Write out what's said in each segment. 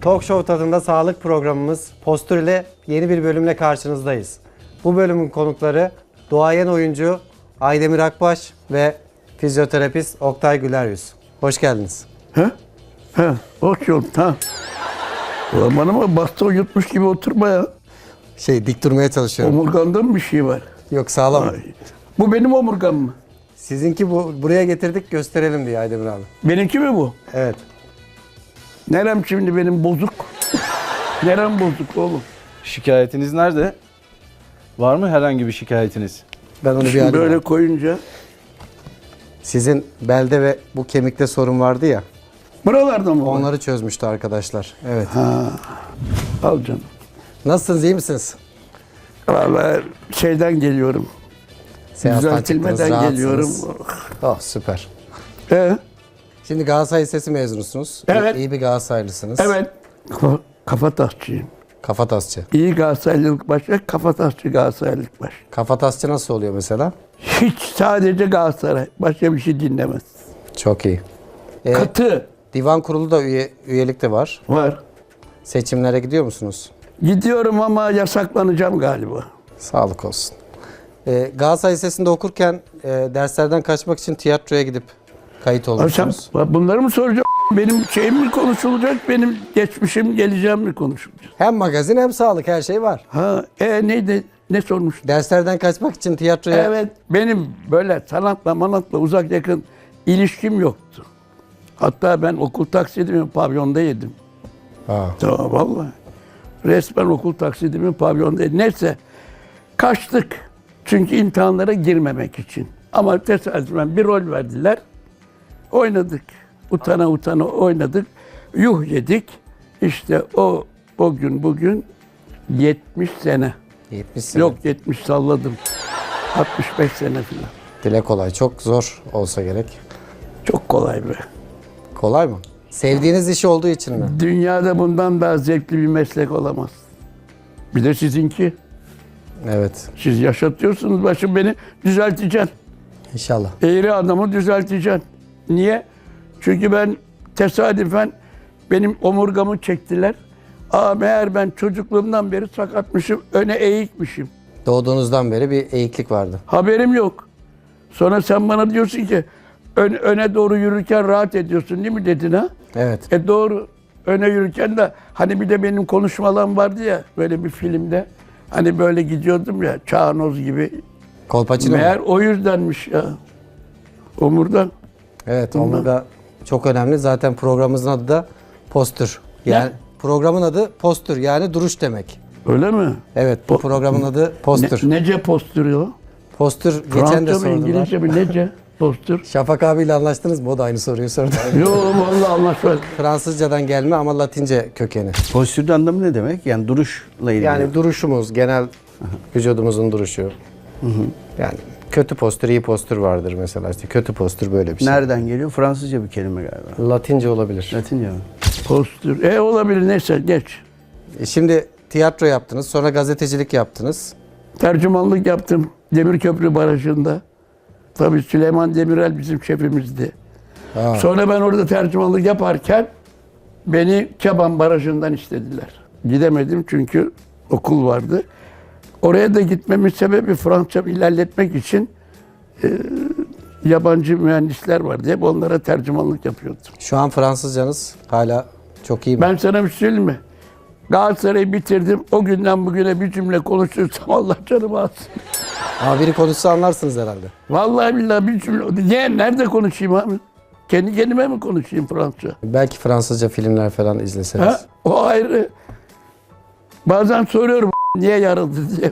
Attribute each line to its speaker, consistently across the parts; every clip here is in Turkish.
Speaker 1: Talk Show tadında sağlık programımız Postür ile yeni bir bölümle karşınızdayız. Bu bölümün konukları duayen oyuncu Aydemir Akbaş ve fizyoterapist Oktay Güleryüz. Hoş geldiniz.
Speaker 2: Hoş geldin. Ulan bana mı baston yutmuş gibi oturma ya.
Speaker 1: Dik durmaya çalışıyorum.
Speaker 2: Omurganda mı bir şey var?
Speaker 1: Yok, sağlam.
Speaker 2: Ay. Bu benim omurgam mı?
Speaker 1: Sizinki buraya getirdik, gösterelim diye Aydemir abi.
Speaker 2: Benimki mi bu?
Speaker 1: Evet.
Speaker 2: Nerem şimdi benim bozuk? Nerem bozuk oğlum?
Speaker 3: Şikayetiniz nerede? Var mı herhangi bir şikayetiniz?
Speaker 1: Ben onu bir
Speaker 2: Şimdi
Speaker 1: alayım
Speaker 2: böyle
Speaker 1: abi.
Speaker 2: koyunca.
Speaker 1: Sizin belde ve bu kemikte sorun vardı ya.
Speaker 2: Buralarda mı var?
Speaker 1: Onları çözmüştü arkadaşlar. Evet.
Speaker 2: Al canım.
Speaker 1: Nasılsınız, iyi misiniz?
Speaker 2: Vallahi şeyden geliyorum.
Speaker 1: Seyahatten çıktınız,
Speaker 2: Düzeltilmeden geliyorum.
Speaker 1: rahatsınız. Oh, süper.
Speaker 2: Şimdi
Speaker 1: Galatasaray Lisesi mezunusunuz.
Speaker 2: Evet.
Speaker 1: İyi bir Galatasaraylısınız.
Speaker 2: evet. Kafatasçıyım.
Speaker 1: Kafatasçı.
Speaker 2: İyi Galatasaraylılık başı, kafatasçı Galatasaraylılık başı.
Speaker 1: Kafatasçı nasıl oluyor mesela?
Speaker 2: Hiç sadece Galatasaray. Başka bir şey dinlemez.
Speaker 1: Çok iyi.
Speaker 2: Katı
Speaker 1: Divan kurulu da üyelik de var.
Speaker 2: var.
Speaker 1: Seçimlere gidiyor musunuz?
Speaker 2: Gidiyorum ama yasaklanacağım galiba.
Speaker 1: Sağlık olsun. Galatasaray Lisesi'nde okurken derslerden kaçmak için tiyatroya gidip kayıt
Speaker 2: Sen
Speaker 1: olmuşsunuz.
Speaker 2: bunları mı soracağım? Benim şeyim mi konuşulacak? Benim geçmişim, geleceğim mi konuşulacak?
Speaker 1: Hem magazin hem sağlık, her şey var.
Speaker 2: Neydi? Ne sormuş?
Speaker 1: Derslerden kaçmak için tiyatroya...
Speaker 2: Evet, benim böyle sanatla uzak yakın ilişkim yoktu. Hatta ben okul taksidimi pavyonda yedim.
Speaker 1: Ha.
Speaker 2: Tamam vallahi. Resmen okul taksidimi pavyonda yedim. Neyse kaçtık. Çünkü imtihanlara girmemek için. Ama tesadüfen bir rol verdiler. Oynadık. Utana utana oynadık. Yuh yedik. İşte o gün bugün 70 sene.
Speaker 1: 70 sene.
Speaker 2: Yok 70 salladım. 65 sene falan.
Speaker 1: Dile kolay. Çok zor olsa gerek.
Speaker 2: Çok kolay be.
Speaker 1: Kolay mı? Sevdiğiniz iş olduğu için mi?
Speaker 2: Dünyada bundan daha zevkli bir meslek olamaz. Bir de sizinki.
Speaker 1: Evet.
Speaker 2: Siz yaşatıyorsunuz başım, beni düzelteceksin.
Speaker 1: İnşallah.
Speaker 2: Eğri adamı düzelteceksin. Niye? Çünkü ben tesadüfen benim omurgamı çektiler. Meğer ben çocukluğumdan beri sakatmışım, öne eğikmişim.
Speaker 1: Doğduğunuzdan beri bir eğiklik vardı.
Speaker 2: Haberim yok. Sonra sen bana diyorsun ki öne doğru yürürken rahat ediyorsun değil mi dedin ha?
Speaker 1: Evet.
Speaker 2: Doğru. Öne yürürken de hani bir de benim konuşmalarım vardı ya böyle bir filmde. Hani böyle gidiyordum ya çağnoz gibi.
Speaker 1: Kolpaçino mu?
Speaker 2: Meğer o yüzdenmiş ya. Omurdan.
Speaker 1: Evet, omurga çok önemli. Zaten programımızın adı da postür. Yani programın adı postür, yani duruş demek.
Speaker 2: Öyle mi?
Speaker 1: Evet, bu programın adı postür.
Speaker 2: Nece postürü o?
Speaker 1: Postür geçen de
Speaker 2: Fransızca mı
Speaker 1: sordular.
Speaker 2: İngilizce mi nece postür?
Speaker 1: Şafak abiyle anlaştınız mı? O da aynı soruyu sordu.
Speaker 2: Yok vallahi anlaşılmaz.
Speaker 1: Fransızcadan gelme ama Latince kökeni.
Speaker 3: Postürün anlamı ne demek? Yani duruşla ilgili.
Speaker 1: Yani duruşumuz, genel vücudumuzun duruşu. Yani kötü postür, iyi postür vardır mesela. İşte kötü postür böyle bir şey.
Speaker 3: Nereden geliyor? Fransızca bir kelime galiba.
Speaker 1: Latince olabilir.
Speaker 3: Latince mi?
Speaker 2: Postür. Olabilir neyse geç.
Speaker 1: Şimdi tiyatro yaptınız, sonra gazetecilik yaptınız.
Speaker 2: Tercümanlık yaptım Demirköprü Barajı'nda. Tabii Süleyman Demirel bizim şefimizdi.
Speaker 1: Ha.
Speaker 2: Sonra ben orada tercümanlık yaparken beni Keban Barajı'ndan istediler. Gidemedim çünkü okul vardı. Oraya da gitmemin sebebi Fransızca ilerletmek için yabancı mühendisler vardı. Hep onlara tercümanlık yapıyordum.
Speaker 1: Şu an Fransızcanız hala çok iyi mi?
Speaker 2: Ben sana bir şey söyleyeyim mi? Galatasaray'ı bitirdim. O günden bugüne bir cümle konuşursam Allah canımı alsın.
Speaker 1: Ama biri konuşsa anlarsınız herhalde.
Speaker 2: Vallahi billahi bir cümle. Niye? Nerede konuşayım abi? Kendi kendime mi konuşayım Fransızca?
Speaker 1: Belki Fransızca filmler falan izleseniz.
Speaker 2: Ha? O ayrı. Bazen soruyorum niye yarıldı diye.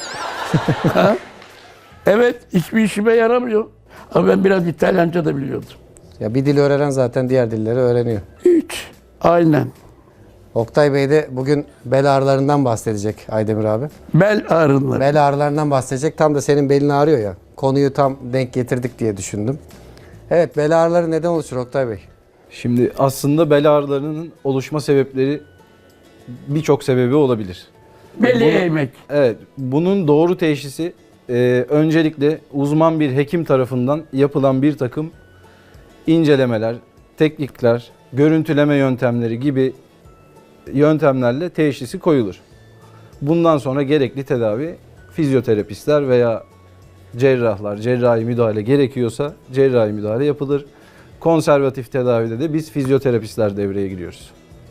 Speaker 2: Ha? Evet, hiçbir işime yaramıyor. Ama ben biraz İtalyanca da biliyordum.
Speaker 1: Ya bir dil öğrenen zaten diğer dilleri öğreniyor.
Speaker 2: Hiç. Aynen.
Speaker 1: Oktay Bey de bugün bel ağrılarından bahsedecek Aydemir abi.
Speaker 2: Bel ağrınları.
Speaker 1: Bel ağrılarından bahsedecek. Tam da senin belin ağrıyor ya. Konuyu tam denk getirdik diye düşündüm. Evet, bel ağrıları neden oluşur Oktay Bey?
Speaker 3: Şimdi aslında bel ağrılarının oluşma sebepleri birçok sebebi olabilir.
Speaker 2: Beli eğmek.
Speaker 3: Evet, bunun doğru teşhisi öncelikle uzman bir hekim tarafından yapılan bir takım incelemeler, teknikler, görüntüleme yöntemleri gibi yöntemlerle teşhisi koyulur. Bundan sonra gerekli tedavi fizyoterapistler veya cerrahlar, cerrahi müdahale gerekiyorsa cerrahi müdahale yapılır. Konservatif tedavide de biz fizyoterapistler devreye giriyoruz.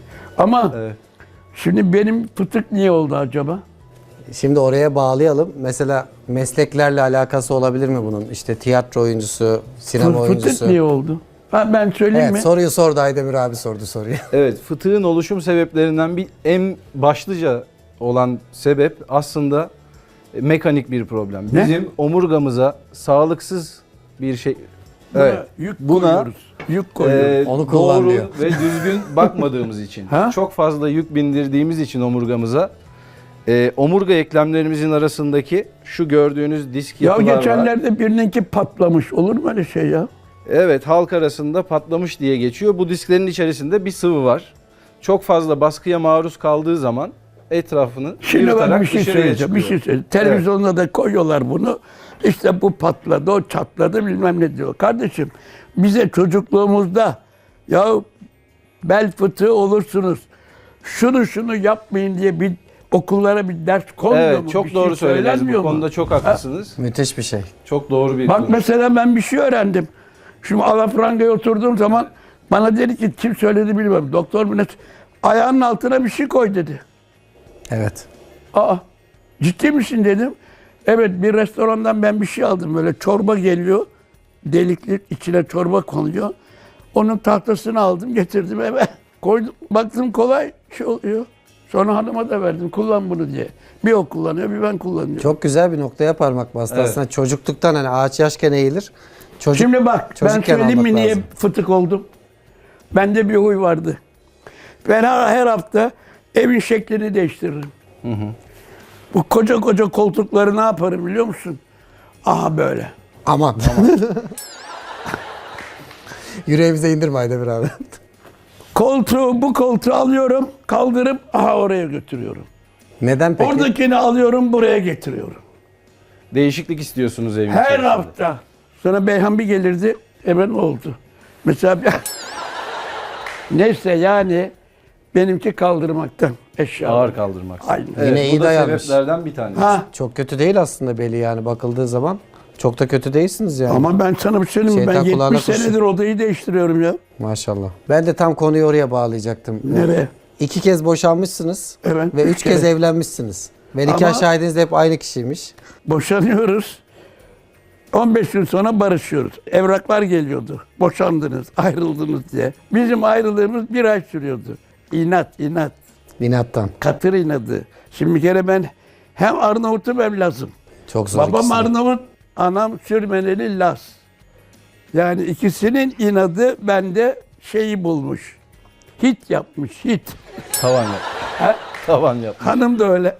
Speaker 2: Ama
Speaker 3: Evet.
Speaker 2: şimdi benim fıtık niye oldu acaba?
Speaker 1: Şimdi oraya bağlayalım. Mesela mesleklerle alakası olabilir mi bunun? İşte tiyatro oyuncusu, sinema
Speaker 2: Fıtık
Speaker 1: oyuncusu.
Speaker 2: niye oldu? Ha, ben söyleyeyim
Speaker 1: Evet,
Speaker 2: mi?
Speaker 1: soruyu sordu Aydemir abi sordu soruyu.
Speaker 3: Evet, fıtığın oluşum sebeplerinden en başlıca olan sebep aslında mekanik bir problem.
Speaker 2: Ne?
Speaker 3: Bizim omurgamıza sağlıksız bir şey
Speaker 2: Buna yük koyuyoruz. Yük koyuyoruz.
Speaker 1: Onu kullan
Speaker 3: doğru
Speaker 1: diyor.
Speaker 3: ve düzgün bakmadığımız için,
Speaker 2: Ha?
Speaker 3: çok fazla yük bindirdiğimiz için omurgamıza, omurga eklemlerimizin arasındaki şu gördüğünüz disk
Speaker 2: Ya
Speaker 3: yapılar var.
Speaker 2: geçenlerde birininki patlamış. Olur mu öyle şey ya?
Speaker 3: Evet, halk arasında patlamış diye geçiyor. Bu disklerin içerisinde bir sıvı var. Çok fazla baskıya maruz kaldığı zaman etrafını
Speaker 2: Şimdi ben
Speaker 3: yırtarak
Speaker 2: bir şey
Speaker 3: dışarıya
Speaker 2: söyleyeceğim. Bir
Speaker 3: çıkıyor.
Speaker 2: şey söyleyeceğim. Televizyonda da koyuyorlar bunu. İşte bu patladı, o çatladı bilmem ne diyor. Kardeşim bize çocukluğumuzda ya bel fıtığı olursunuz. Şunu yapmayın diye bir okullara bir ders konmuyor mu?
Speaker 3: Evet, çok
Speaker 2: Bir
Speaker 3: doğru
Speaker 2: şey
Speaker 3: söylediniz.
Speaker 2: söylenmiyor
Speaker 3: Bu
Speaker 2: mu?
Speaker 3: konuda çok haklısınız.
Speaker 1: Müthiş bir şey.
Speaker 3: Çok doğru bir
Speaker 2: Bak
Speaker 3: konu.
Speaker 2: mesela ben bir şey öğrendim. Şimdi alafrangaya oturduğum zaman bana dedi ki kim söyledi bilmiyorum. Doktor mu ne? Ayağının altına bir şey koy dedi.
Speaker 1: Evet.
Speaker 2: Aa, ciddi misin dedim. Evet, bir restorandan ben bir şey aldım. Böyle çorba geliyor. Delikli içine çorba konuyor. Onun tahtasını aldım getirdim eve. Koydum. Baktım kolay şey oluyor. Sonra hanıma da verdim. Kullan bunu diye. Bir o kullanıyor bir ben kullanıyorum.
Speaker 1: Çok güzel bir noktaya parmak bastı.
Speaker 3: Evet.
Speaker 1: Aslında çocukluktan hani ağaç yaşken eğilir.
Speaker 2: Şimdi bak ben
Speaker 1: çocukken
Speaker 2: söyleyeyim mi
Speaker 1: almak
Speaker 2: niye
Speaker 1: lazım.
Speaker 2: fıtık oldum? Bende bir huy vardı. Ben her hafta evin şeklini değiştiririm. Bu koca koca koltukları ne yaparım biliyor musun? Aha böyle.
Speaker 1: Aman. Yüreğimize indirme Aydemir abi.
Speaker 2: Bu koltuğu alıyorum, kaldırıp aha oraya götürüyorum.
Speaker 1: Neden peki?
Speaker 2: Oradakini alıyorum, buraya getiriyorum.
Speaker 3: Değişiklik istiyorsunuz evin
Speaker 2: Her
Speaker 3: içerisinde.
Speaker 2: hafta. Sonra Beyhan bir gelirdi, hemen oldu. Mesela neyse yani benimki kaldırmaktan eşya.
Speaker 3: Ağır kaldırmak.
Speaker 2: Aynen.
Speaker 3: Evet,
Speaker 1: Yine iyi
Speaker 3: bu da
Speaker 1: dayanmış.
Speaker 3: sebeplerden bir tanesi.
Speaker 2: Ha,
Speaker 1: Çok kötü değil aslında beli yani bakıldığı zaman. Çok da kötü değilsiniz yani.
Speaker 2: ama ben sana bir şey söyleyeyim mi? Ben
Speaker 1: Şeytan kulağına
Speaker 2: 70
Speaker 1: kurşun.
Speaker 2: senedir odayı değiştiriyorum ya.
Speaker 1: Maşallah. Ben de tam konuyu oraya bağlayacaktım.
Speaker 2: Nereye?
Speaker 1: 2 kez boşanmışsınız
Speaker 2: Evet,
Speaker 1: ve 3
Speaker 2: üç
Speaker 1: kez
Speaker 2: kere.
Speaker 1: evlenmişsiniz. Ve
Speaker 2: Ama-
Speaker 1: nikah şahidiniz de hep aynı kişiymiş.
Speaker 2: Boşanıyoruz. 15 gün sonra barışıyoruz. Evraklar geliyordu. Boşandınız, ayrıldınız diye. Bizim ayrılığımız bir ay sürüyordu. İnat.
Speaker 1: Binattan.
Speaker 2: Katır inadı. Şimdi bir kere ben hem Arnavut'um hem Laz'ım.
Speaker 1: Çok zor
Speaker 2: Babam
Speaker 1: ikisi de.
Speaker 2: Arnavut, anam Sürmeneli Laz. Yani ikisinin inadı bende şeyi bulmuş. Hit yapmış, hit.
Speaker 3: Tavan yap.
Speaker 2: Ha?
Speaker 3: Tavan yap.
Speaker 2: Hanım da öyle.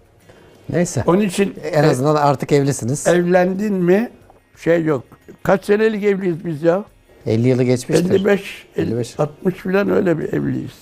Speaker 1: Neyse.
Speaker 2: Onun için
Speaker 1: En azından artık evlisiniz.
Speaker 2: evlendin mi şey yok. Kaç senelik evliyiz biz ya?
Speaker 1: 50 yılı geçmiştir.
Speaker 2: 55,
Speaker 1: 55.
Speaker 2: 60 falan öyle bir evliyiz.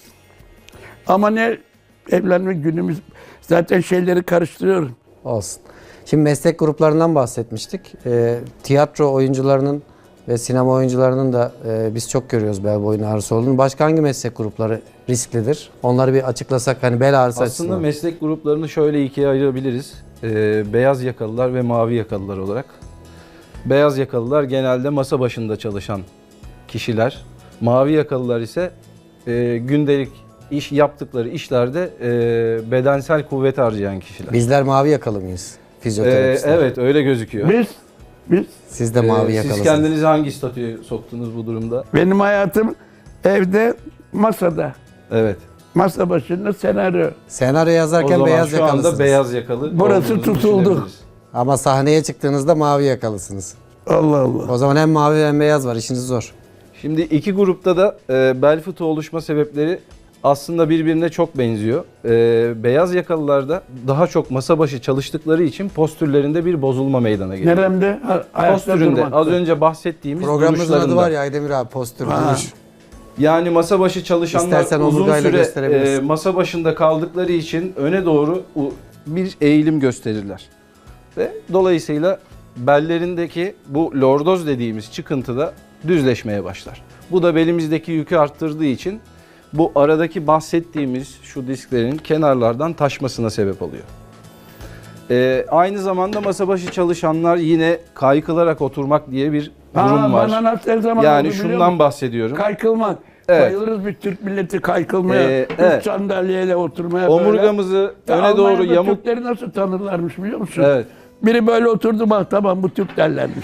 Speaker 2: Ama ne evlenme günümüz zaten şeyleri karıştırıyorum.
Speaker 1: Olsun. Şimdi meslek gruplarından bahsetmiştik. Tiyatro oyuncularının ve sinema oyuncularının da biz çok görüyoruz bel boyun ağrısı olduğunu. Başka hangi meslek grupları risklidir? Onları bir açıklasak hani bel ağrısı
Speaker 3: Aslında
Speaker 1: açısından.
Speaker 3: meslek gruplarını şöyle ikiye ayırabiliriz. Beyaz yakalılar ve mavi yakalılar olarak. Beyaz yakalılar genelde masa başında çalışan kişiler. Mavi yakalılar ise gündelik iş yaptıkları işlerde bedensel kuvvet harcayan kişiler.
Speaker 1: Bizler mavi yakalı mıyız? Fizyoterapistler.
Speaker 3: Evet, öyle gözüküyor.
Speaker 2: Biz
Speaker 1: Siz de mavi
Speaker 3: Siz
Speaker 1: yakalısınız.
Speaker 3: kendinizi hangi statüye soktunuz bu durumda?
Speaker 2: benim hayatım evde masada.
Speaker 3: Evet.
Speaker 2: Masa başında senaryo.
Speaker 1: Senaryo
Speaker 3: O
Speaker 1: yazarken
Speaker 3: zaman
Speaker 1: beyaz
Speaker 3: şu
Speaker 1: yakalısınız.
Speaker 3: anda beyaz yakalı.
Speaker 2: Burası
Speaker 3: olduğunuzu
Speaker 2: tutuldu.
Speaker 3: düşünebiliriz.
Speaker 1: Ama sahneye çıktığınızda mavi yakalısınız.
Speaker 2: Allah Allah.
Speaker 1: O zaman hem mavi hem beyaz var. İşiniz zor.
Speaker 3: Şimdi iki grupta da bel fıtığı oluşma sebepleri aslında birbirine çok benziyor. Beyaz yakalılarda daha çok masa başı çalıştıkları için postürlerinde bir bozulma meydana geliyor.
Speaker 2: Neremde? Ayakta
Speaker 3: Postüründe
Speaker 2: durmakta.
Speaker 3: az önce bahsettiğimiz
Speaker 1: Programımızın adı
Speaker 3: duruşlarında.
Speaker 1: var ya Aydemir abi postür,
Speaker 2: Ha.
Speaker 1: duruş.
Speaker 3: Yani masa başı çalışanlar
Speaker 1: İstersen
Speaker 3: uzun
Speaker 1: omurgayla
Speaker 3: süre
Speaker 1: gösterebilirsin.
Speaker 3: masa başında kaldıkları için öne doğru bir eğilim gösterirler. Ve dolayısıyla bellerindeki bu lordoz dediğimiz çıkıntı da düzleşmeye başlar. Bu da belimizdeki yükü arttırdığı için bu aradaki bahsettiğimiz şu disklerin kenarlardan taşmasına sebep oluyor. Aynı zamanda masa başı çalışanlar yine kaykılarak oturmak diye bir durum var.
Speaker 2: Bana nasıl her zaman
Speaker 3: Yani
Speaker 2: oldu biliyor
Speaker 3: şundan
Speaker 2: musun?
Speaker 3: bahsediyorum.
Speaker 2: Kaykılmak.
Speaker 3: Evet.
Speaker 2: Bayılırız bir Türk milleti kaykılmaya.
Speaker 3: Evet.
Speaker 2: Üç sandalyeyle oturmaya
Speaker 3: Omurgamızı
Speaker 2: böyle.
Speaker 3: öne doğru
Speaker 2: Almanya'da
Speaker 3: yamuk.
Speaker 2: Türkleri nasıl tanırlarmış biliyor musun?
Speaker 3: Evet.
Speaker 2: Biri böyle oturdu bak tamam bu Türk derlermiş.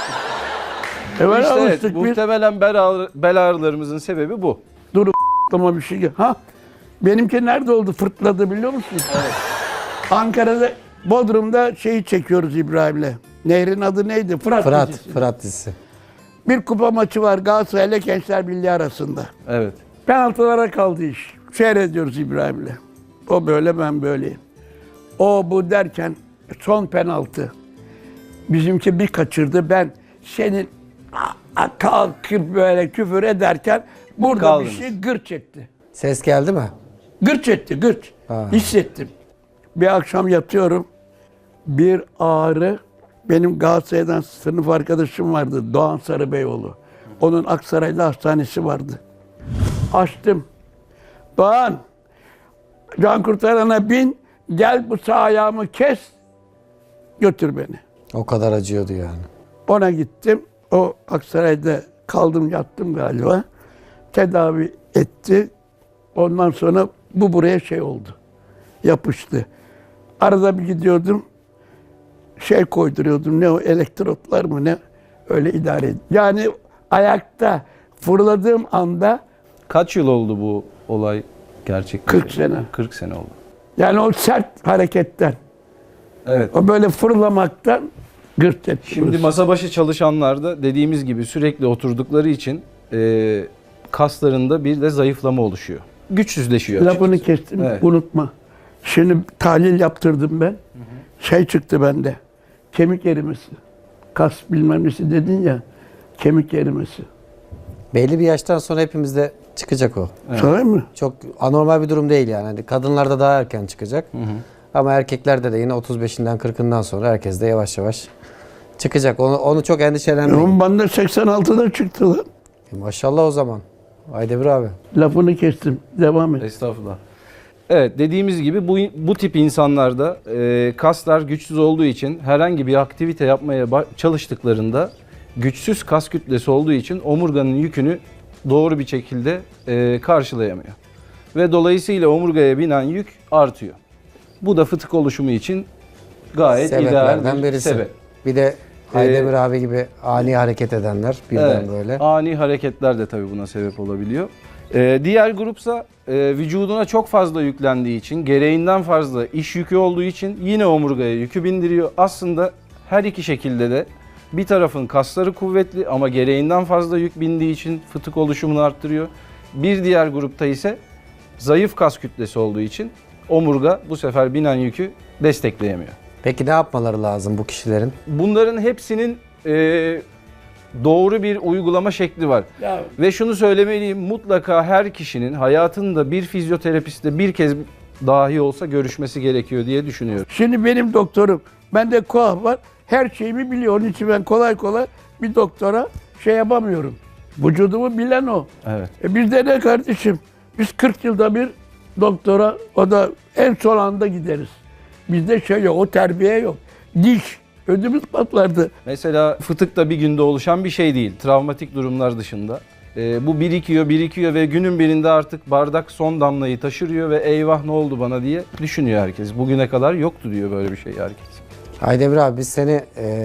Speaker 2: Böyle
Speaker 3: İşte evet,
Speaker 2: alıştık biz.
Speaker 3: muhtemelen bel ağrılarımızın sebebi bu.
Speaker 2: Dur aklıma bir şey gel. Ha benimki nerede oldu fırtladı biliyor musun? Evet. Ankara'da Bodrum'da şeyi çekiyoruz İbrahim'le. Nehrin adı neydi?
Speaker 1: Fırat,
Speaker 2: dizisi.
Speaker 1: Fırat dizisi.
Speaker 2: Bir kupa maçı var Galatasaray ile Gençler Birliği arasında.
Speaker 3: Evet.
Speaker 2: Penaltılara kaldı iş. Seyrediyoruz İbrahim'le. O böyle ben böyleyim. O bu derken son penaltı. Bizimki bir kaçırdı. Ben senin kalkıp böyle küfür ederken burada
Speaker 3: Kaldınız.
Speaker 2: bir şey gırç etti.
Speaker 1: Ses geldi mi?
Speaker 2: Gırç etti, gırç.
Speaker 1: Ha.
Speaker 2: Hissettim. Bir akşam yatıyorum. Bir ağrı. Benim Galatasaray'dan sınıf arkadaşım vardı. Doğan Sarıbeyoğlu. Onun Aksaray'da hastanesi vardı. Açtım. Doğan, can kurtarana bin. Gel bu sağ ayağımı kes. Götür beni.
Speaker 1: O kadar acıyordu yani.
Speaker 2: Ona gittim. O Aksaray'da kaldım yattım galiba. Tedavi etti. Ondan sonra bu buraya şey oldu. Yapıştı. Arada bir gidiyordum. Şey koyduruyordum. Ne o elektrotlar mı ne? Öyle idare edin. Yani ayakta fırladığım anda
Speaker 3: Kaç yıl oldu bu olay gerçekleşti?
Speaker 2: 40 sene.
Speaker 3: 40 sene oldu.
Speaker 2: yani o sert hareketten,
Speaker 3: Evet.
Speaker 2: o böyle fırlamaktan gırt etti.
Speaker 3: Şimdi masa başı çalışanlar da dediğimiz gibi sürekli oturdukları için kaslarında bir de zayıflama oluşuyor. Güçsüzleşiyor.
Speaker 2: Lafını
Speaker 3: açıkçası.
Speaker 2: kestim,
Speaker 3: Evet.
Speaker 2: unutma. Şimdi tahlil yaptırdım ben. Şey çıktı bende. Kemik erimesi. Kas bilmem nesi dedin ya. Kemik erimesi.
Speaker 1: Belli bir yaştan sonra hepimizde çıkacak o.
Speaker 3: Evet.
Speaker 2: Sahi mi?
Speaker 1: Çok anormal bir durum değil yani. Hani kadınlarda daha erken çıkacak. Ama erkeklerde de yine 35'inden 40'ından sonra herkes de yavaş yavaş çıkacak. Onu çok endişelenmeyin.
Speaker 2: Onun bende 86'da çıktı lan.
Speaker 1: Maşallah o zaman. Aydemir abi.
Speaker 2: Lafını kestim. Devam et.
Speaker 3: Estağfurullah. Evet, dediğimiz gibi bu tip insanlarda kaslar güçsüz olduğu için herhangi bir aktivite yapmaya çalıştıklarında güçsüz kas kütlesi olduğu için omurganın yükünü doğru bir şekilde karşılayamıyor. Ve dolayısıyla omurgaya binen yük artıyor. Bu da fıtık oluşumu için gayet ideal
Speaker 1: Sebeplerden
Speaker 3: bir
Speaker 1: birisi.
Speaker 3: sebep.
Speaker 1: Bir de Aydemir abi gibi ani hareket edenler birden
Speaker 3: Evet,
Speaker 1: böyle.
Speaker 3: ani hareketler de tabii buna sebep olabiliyor. Diğer grupsa vücuduna çok fazla yüklendiği için, gereğinden fazla iş yükü olduğu için yine omurgaya yükü bindiriyor. Aslında her iki şekilde de bir tarafın kasları kuvvetli ama gereğinden fazla yük bindiği için fıtık oluşumunu arttırıyor. Bir diğer grupta ise zayıf kas kütlesi olduğu için omurga bu sefer binen yükü destekleyemiyor.
Speaker 1: Peki ne yapmaları lazım bu kişilerin?
Speaker 3: Bunların hepsinin doğru bir uygulama şekli var.
Speaker 2: Ya,
Speaker 3: Ve şunu söylemeliyim, mutlaka her kişinin hayatında bir fizyoterapistle bir kez dahi olsa görüşmesi gerekiyor diye düşünüyorum.
Speaker 2: şimdi benim doktorum, bende koah var. Her şeyimi biliyor. Onun için ben kolay kolay bir doktora şey yapamıyorum. Vücudumu bilen o.
Speaker 3: Evet.
Speaker 2: Bizde ne kardeşim? Biz 40 yılda bir doktora, o da en son anda gideriz. Bizde şey yok, o terbiye yok. Diş, ödümüz patlardı.
Speaker 3: Mesela fıtık da bir günde oluşan bir şey değil. Travmatik durumlar dışında. Bu birikiyor ve günün birinde artık bardak son damlayı taşırıyor ve eyvah ne oldu bana diye düşünüyor herkes. Bugüne kadar yoktu diyor böyle bir şey herkes.
Speaker 1: Aydemir abi biz seni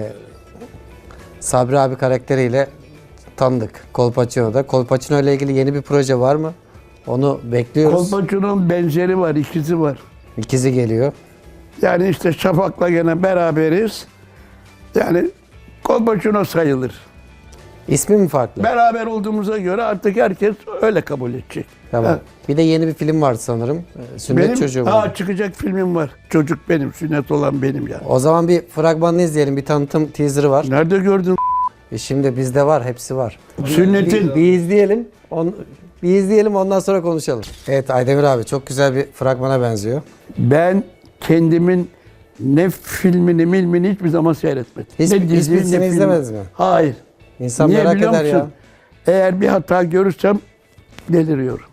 Speaker 1: Sabri abi karakteriyle tanıdık Kolpaçino'da. Kolpaçino ile ilgili yeni bir proje var mı? Onu bekliyoruz.
Speaker 2: Kolpaçino'nun benzeri var, ikizi var.
Speaker 1: İkizi geliyor.
Speaker 2: Yani işte Şafak'la gene beraberiz. Yani Kolpaçino sayılır.
Speaker 1: İsmi mi farklı?
Speaker 2: Beraber olduğumuza göre artık herkes öyle kabul edecek.
Speaker 1: Tamam.
Speaker 2: Ha.
Speaker 1: Bir de yeni bir film var sanırım. Sünnet
Speaker 2: Benim
Speaker 1: Çocuğu mu?
Speaker 2: çıkacak filmim var. Çocuk benim, sünnet olan benim yani.
Speaker 1: O zaman bir fragmanını izleyelim. Bir tanıtım teaser'ı var.
Speaker 2: Nerede gördün?
Speaker 1: Şimdi bizde var, hepsi var.
Speaker 2: Sünnetin.
Speaker 1: Bir izleyelim. Bir izleyelim ondan sonra konuşalım. Evet Aydemir abi çok güzel bir fragmana benziyor.
Speaker 2: Ben kendimin ne filmini hiçbir zaman seyretmedim.
Speaker 1: Hiçbirisini izlemediniz mi?
Speaker 2: Hayır.
Speaker 1: İnsan
Speaker 2: Niye
Speaker 1: merak
Speaker 2: biliyor
Speaker 1: eder
Speaker 2: musun?
Speaker 1: ya.
Speaker 2: Eğer bir hata görürsem deliriyorum.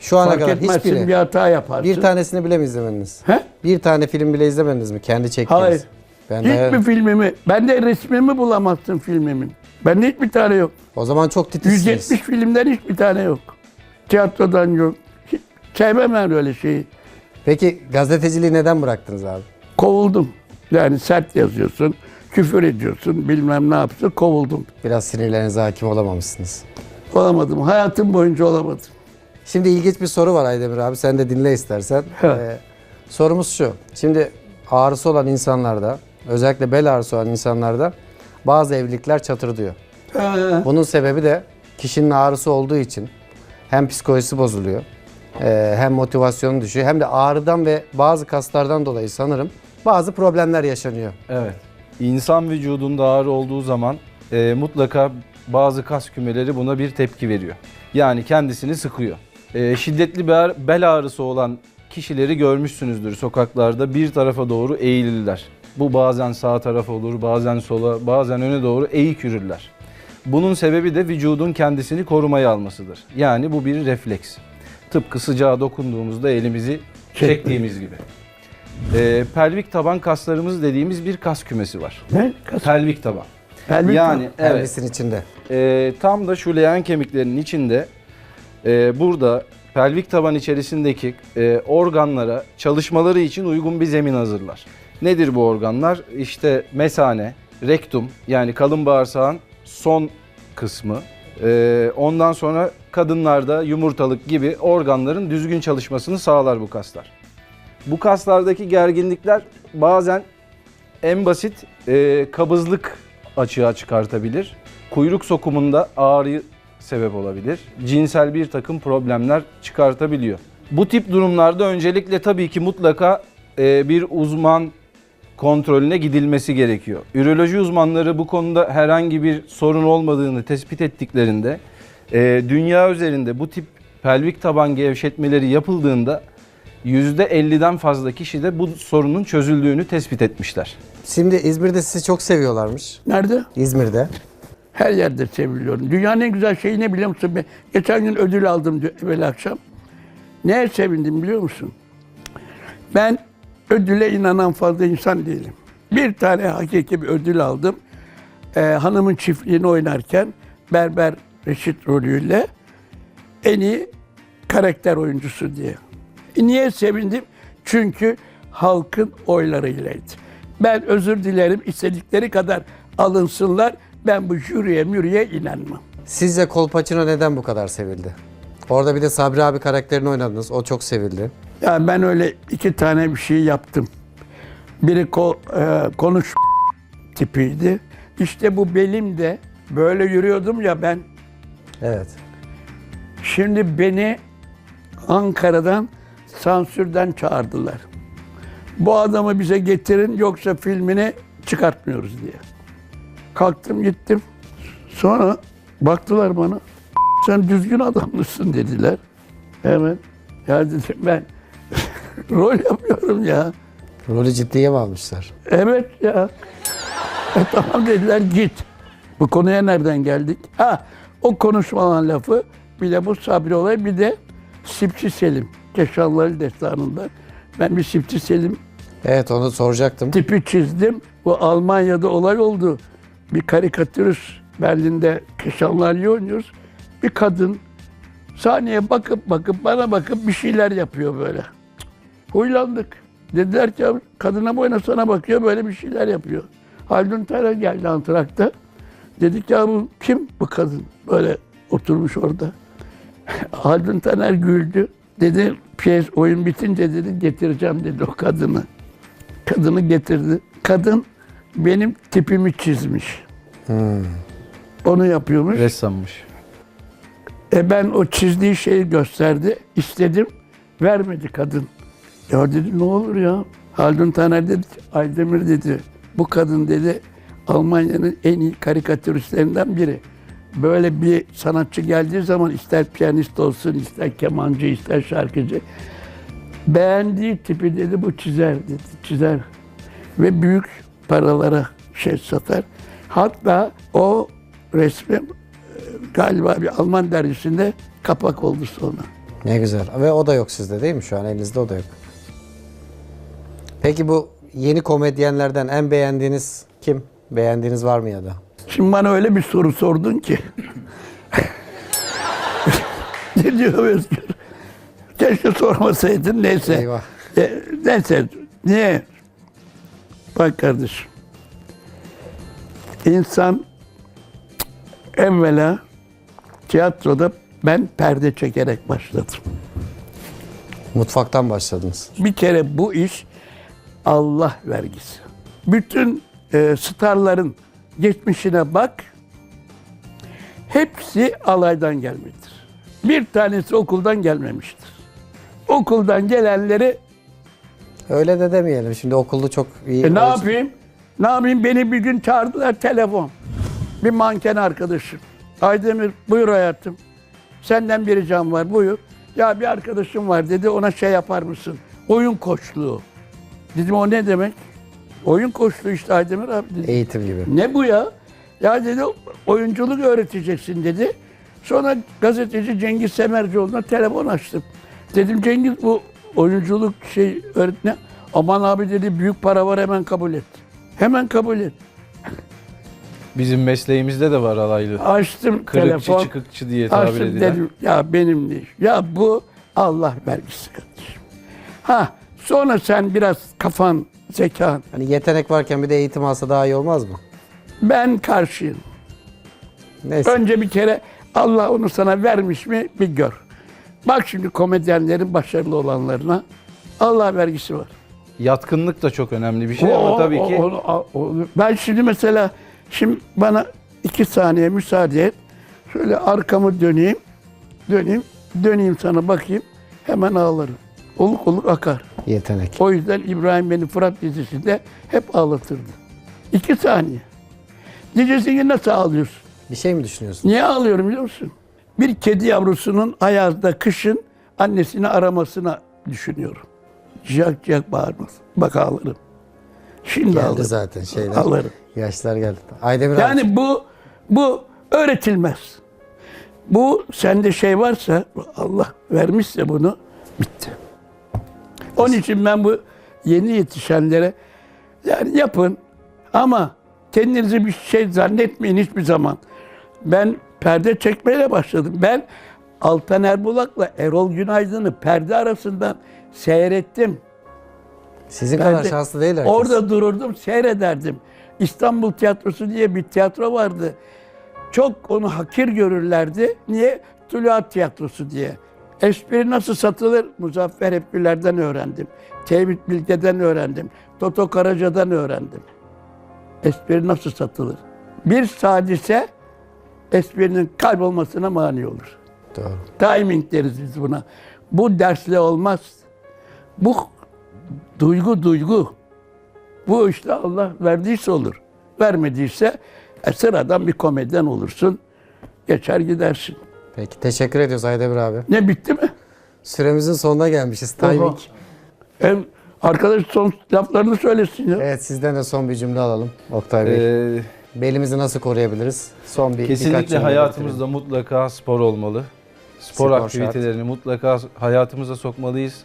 Speaker 1: Şu ana
Speaker 2: Fark
Speaker 1: kadar
Speaker 2: etmezsin,
Speaker 1: hiçbiri.
Speaker 2: bir hata yaparsın.
Speaker 1: Bir tanesini bile mi izlemediniz?
Speaker 2: He?
Speaker 1: Bir tane film bile izlemediniz mi? Kendi çektiğiniz.
Speaker 2: Hayır.
Speaker 1: Ben de,
Speaker 2: Hiçbir filmimi, ben de resmimi bulamazsın filmimin. Bende hiçbir tane yok.
Speaker 1: o zaman çok titizsiniz.
Speaker 2: 170 filmden hiçbir tane yok. Tiyatrodan yok. Hiç sevmem ben öyle şeyi.
Speaker 1: Peki gazeteciliği neden bıraktınız abi?
Speaker 2: Kovuldum. Yani sert yazıyorsun, küfür ediyorsun, bilmem ne yapıyorsun, kovuldum.
Speaker 1: Biraz sinirlerinize hakim olamamışsınız.
Speaker 2: Olamadım. Hayatım boyunca olamadım.
Speaker 1: Şimdi ilginç bir soru var Aydemir abi. Sen de dinle istersen.
Speaker 2: Evet.
Speaker 1: Sorumuz şu. Şimdi ağrısı olan insanlarda, özellikle bel ağrısı olan insanlarda bazı evlilikler çatırdıyor. Bunun sebebi de kişinin ağrısı olduğu için hem psikolojisi bozuluyor, hem motivasyonu düşüyor, hem de ağrıdan ve bazı kaslardan dolayı sanırım bazı problemler yaşanıyor.
Speaker 3: Evet. İnsan vücudunda ağrı olduğu zaman mutlaka bazı kas kümeleri buna bir tepki veriyor. Yani kendisini sıkıyor. Şiddetli bel ağrısı olan kişileri görmüşsünüzdür sokaklarda, bir tarafa doğru eğilirler. Bu bazen sağ tarafa olur, bazen sola, bazen öne doğru eğik yürürler. Bunun sebebi de vücudun kendisini korumaya almasıdır. Yani bu bir refleks. Tıpkı sıcağa dokunduğumuzda elimizi çektiğimiz gibi. Pelvik taban kaslarımız dediğimiz bir kas kümesi var.
Speaker 2: Ne?
Speaker 3: Pelvik taban.
Speaker 2: Pelvik
Speaker 3: Yani
Speaker 2: taban.
Speaker 3: evet,
Speaker 1: Pelvisin içinde.
Speaker 3: tam da şu leğen kemiklerinin içinde burada pelvik taban içerisindeki organlara çalışmaları için uygun bir zemin hazırlar. Nedir bu organlar? İşte mesane, rektum yani kalın bağırsağın son kısmı. Ondan sonra kadınlarda yumurtalık gibi organların düzgün çalışmasını sağlar bu kaslar. Bu kaslardaki gerginlikler bazen en basit kabızlık açığa çıkartabilir. Kuyruk sokumunda ağrı sebep olabilir. Cinsel bir takım problemler çıkartabiliyor. Bu tip durumlarda öncelikle tabii ki mutlaka bir uzman kontrolüne gidilmesi gerekiyor. Üroloji uzmanları bu konuda herhangi bir sorun olmadığını tespit ettiklerinde dünya üzerinde bu tip pelvik taban gevşetmeleri yapıldığında %50'den fazla kişide bu sorunun çözüldüğünü tespit etmişler.
Speaker 1: Şimdi İzmir'de sizi çok seviyorlarmış.
Speaker 2: Nerede?
Speaker 1: İzmir'de.
Speaker 2: Her yerde seviliyorum. Dünyanın en güzel şeyi ne biliyor musun? Ben geçen gün ödül aldım evvel akşam. Neye sevindim biliyor musun? Ben ödüle inanan fazla insan değilim. Bir tane hakiki bir ödül aldım. Hanımın çiftliğini oynarken Berber Reşit rolüyle en iyi karakter oyuncusu diye. Niye sevindim? Çünkü halkın oylarıylaydı. Ben özür dilerim, istedikleri kadar alınsınlar. Ben bu jüriye inanmam.
Speaker 1: Sizce Kolpaçino neden bu kadar sevildi? Orada bir de Sabri abi karakterini oynadınız. O çok sevildi.
Speaker 2: Yani ben öyle iki tane bir şey yaptım. Biri konuş tipiydi. İşte bu belim de böyle yürüyordum ya ben.
Speaker 1: Evet.
Speaker 2: Şimdi beni Ankara'dan sansürden çağırdılar. Bu adamı bize getirin yoksa filmini çıkartmıyoruz diye. Kalktım gittim. Sonra baktılar bana. Sen düzgün adam mısın dediler. Evet. Ya dedim ben rol yapıyorum ya.
Speaker 1: Rolü ciddiye mi almışlar?
Speaker 2: Evet ya. Tamam dediler git. Bu konuya nereden geldik? O konuşmalan lafı bir de bu Sabri olay bir de Sipçi Selim. Keşanlıları destanında. Ben bir Sipçi Selim
Speaker 1: Evet, onu soracaktım.
Speaker 2: tipi çizdim. Bu Almanya'da olay oldu. Bir karikatürist Berlin'de Keşanlıları oynuyoruz. Bir kadın sahneye bakıp bana bakıp bir şeyler yapıyor böyle. Huylandık. Dediler ki kadına boyuna sana bakıyor böyle bir şeyler yapıyor. Haldun Taner geldi antrakta. Dedik ya bu kim bu kadın? Böyle oturmuş orada. Haldun Taner güldü. Dedi piyes oyun bitince dedi getireceğim dedi o kadını. Kadını getirdi. Kadın benim tipimi çizmiş. Onu yapıyormuş.
Speaker 3: Ressammış.
Speaker 2: Ben o çizdiği şeyi gösterdi. İstedim. Vermedi kadın. Ya dedi ne olur ya. Haldun Taner dedi Aydemir dedi. Bu kadın dedi Almanya'nın en iyi karikatüristlerinden biri. Böyle bir sanatçı geldiği zaman ister piyanist olsun, ister kemancı, ister şarkıcı. Beğendiği tipi dedi bu çizer dedi. Çizer. Ve büyük paralara satar. Hatta o resmi galiba bir Alman dergisinde kapak oldu sonra.
Speaker 1: Ne güzel. Ve o da yok sizde değil mi şu an? Elinizde o da yok. Peki bu yeni komedyenlerden en beğendiğiniz kim? Beğendiğiniz var mı ya da?
Speaker 2: Şimdi bana öyle bir soru sordun ki. Ne diyor Özgür? Keşke sormasaydın. Neyse.
Speaker 1: Eyvah.
Speaker 2: Neyse. Niye? Bak kardeşim. İnsan evvela tiyatroda ben perde çekerek başladım.
Speaker 1: Mutfaktan başladınız.
Speaker 2: Bir kere bu iş Allah vergisi. Bütün starların geçmişine bak. Hepsi alaydan gelmiştir. Bir tanesi okuldan gelmemiştir. Okuldan gelenleri
Speaker 1: Öyle de demeyelim. Şimdi okulda çok iyi.
Speaker 2: ne yapayım? Ne yapayım? Beni bir gün çağırdılar telefon. Bir manken arkadaşım. Aydemir buyur hayatım. Senden bir ricam var buyur. Ya bir arkadaşım var dedi ona şey yapar mısın? Oyun koçluğu. Dedim o ne demek? Oyun koçluğu işte Aydemir abi dedi.
Speaker 1: Eğitim gibi.
Speaker 2: Ne bu ya? Ya dedi oyunculuk öğreteceksin dedi. Sonra gazeteci Cengiz Semercioğlu'na telefon açtım. Dedim Cengiz bu oyunculuk şey öğretme. Aman abi dedi büyük para var hemen kabul et. Hemen kabul et.
Speaker 3: Bizim mesleğimizde de var alaylı.
Speaker 2: Açtım
Speaker 3: Kırıkçı
Speaker 2: telefon.
Speaker 3: çıkıkçı diye tabir
Speaker 2: Açtım
Speaker 3: edilen.
Speaker 2: dedim ya benim değil. Ya bu Allah vergisi kardeşim. Ha sonra sen biraz kafan, zekan.
Speaker 1: Hani yetenek varken bir de eğitim alsa daha iyi olmaz mı?
Speaker 2: Ben karşıyım.
Speaker 1: Neyse.
Speaker 2: Önce bir kere Allah onu sana vermiş mi bir gör. Bak şimdi komedyenlerin başarılı olanlarına Allah vergisi var.
Speaker 3: Yatkınlık da çok önemli bir şey ama tabii ki
Speaker 2: Ben şimdi mesela şimdi bana 2 saniye müsaade et. Şöyle arkamı döneyim sana bakayım. Hemen ağlarım. Oluk oluk akar.
Speaker 1: Yetenek.
Speaker 2: O yüzden İbrahim beni Fırat dizisinde hep ağlatırdı. 2 saniye. Diyeceksin nasıl ağlıyorsun?
Speaker 1: Bir şey mi düşünüyorsun?
Speaker 2: Niye ağlıyorum biliyor musun? Bir kedi yavrusunun ayazda kışın annesini aramasına düşünüyorum. Ciyak ciyak bağırmaz. Bak ağlarım. Şimdi
Speaker 1: Geldi
Speaker 2: ağlarım.
Speaker 1: zaten şeyler.
Speaker 2: Ağlarım.
Speaker 1: Yaşlar geldi. Aydemir abi.
Speaker 2: Yani bu öğretilmez. Bu sende şey varsa Allah vermişse bunu bitti. Onun için ben bu yeni yetişenlere yani yapın ama kendinizi bir şey zannetmeyin hiçbir zaman. Ben perde çekmeyle başladım. Ben Altan Erbulak'la Erol Günaydın'ı perde arasından seyrettim.
Speaker 1: Sizin
Speaker 2: Ben
Speaker 1: kadar
Speaker 2: de
Speaker 1: şanslı değil herkes.
Speaker 2: orada dururdum, seyrederdim. İstanbul Tiyatrosu diye bir tiyatro vardı. Çok onu hakir görürlerdi. Niye? Tuluat Tiyatrosu diye. Espri nasıl satılır? Muzaffer Hepgüler'den öğrendim. Tevfik Bilge'den öğrendim. Toto Karaca'dan öğrendim. Espri nasıl satılır? Bir sadise esprinin kaybolmasına mani olur.
Speaker 1: Doğru.
Speaker 2: Timing deriz biz buna. Bu dersle olmaz. Bu duygu. Bu işte Allah verdiyse olur. Vermediyse sıradan bir komedyen olursun. Geçer gidersin.
Speaker 1: Peki teşekkür ediyoruz Aydemir abi.
Speaker 2: Ne bitti mi?
Speaker 1: Süremizin sonuna gelmişiz. Timing.
Speaker 2: Arkadaş son laflarını söylesin ya.
Speaker 1: Evet sizden de son bir cümle alalım Oktay Bey. Belimizi nasıl koruyabiliriz? Son birkaç
Speaker 3: kesinlikle
Speaker 1: cümle
Speaker 3: hayatımızda mutlaka spor olmalı. Spor
Speaker 1: Spor
Speaker 3: aktivitelerini mutlaka hayatımıza sokmalıyız.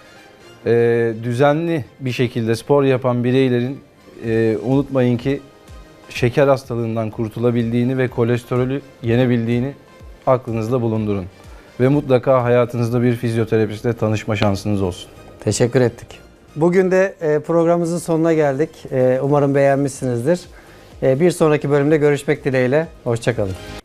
Speaker 3: Düzenli bir şekilde spor yapan bireylerin unutmayın ki şeker hastalığından kurtulabildiğini ve kolesterolü yenebildiğini aklınızda bulundurun. Ve mutlaka hayatınızda bir fizyoterapistle tanışma şansınız olsun.
Speaker 1: Teşekkür ettik. Bugün de programımızın sonuna geldik. Umarım beğenmişsinizdir. Bir sonraki bölümde görüşmek dileğiyle. Hoşça kalın.